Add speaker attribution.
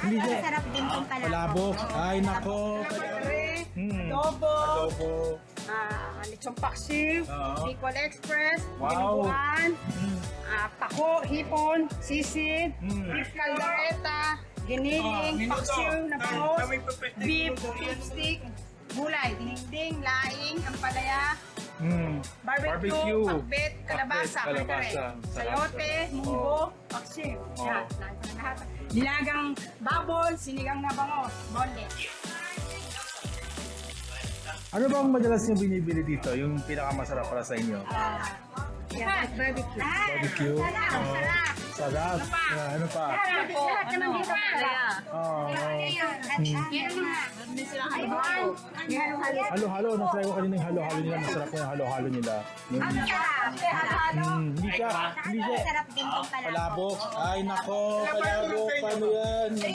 Speaker 1: Hindi siya.
Speaker 2: Masarap din yung
Speaker 1: Palabok. Ay, nako.
Speaker 3: Adobo,
Speaker 1: Adobo.
Speaker 3: lechong paksiw,
Speaker 1: Oo.
Speaker 3: Bicol Express,
Speaker 1: Wow.
Speaker 3: dinuguan,
Speaker 1: Mm.
Speaker 3: pako, hipon, sisig, beef caldereta, giniling,
Speaker 1: minuto.
Speaker 3: paksiw na bangos,
Speaker 1: Kami pepeste,
Speaker 3: beef,
Speaker 1: minuto yan.
Speaker 3: stick, gulay, dinding, laing, ampalaya,
Speaker 1: Mm.
Speaker 3: barbecue, pakbet, kalabasa,
Speaker 1: Pakbet, kalabasa.
Speaker 3: sayote, munggo, paksiw.
Speaker 1: Oo.
Speaker 3: Yan, lahat. Nilagang babon, sinigang na bangos, bondet.
Speaker 1: Ano bang madalas niyo binibili dito? Yung pinakamasarap para sa inyo?
Speaker 3: Yan, barbecue.
Speaker 1: Barbecue? Oo. Sarap. Ano pa?
Speaker 3: Lahat naman dito palaya.
Speaker 1: Oo.
Speaker 3: Meron silang halo-halo.
Speaker 1: Halo-halo. Na-try ko kanina yung halo-halo nila. Masarap yung halo-halo nila. Yung, hindi siya.
Speaker 2: Masarap din yung palabok.
Speaker 1: Palabok. Ay, nako. Palabok. Paano yan?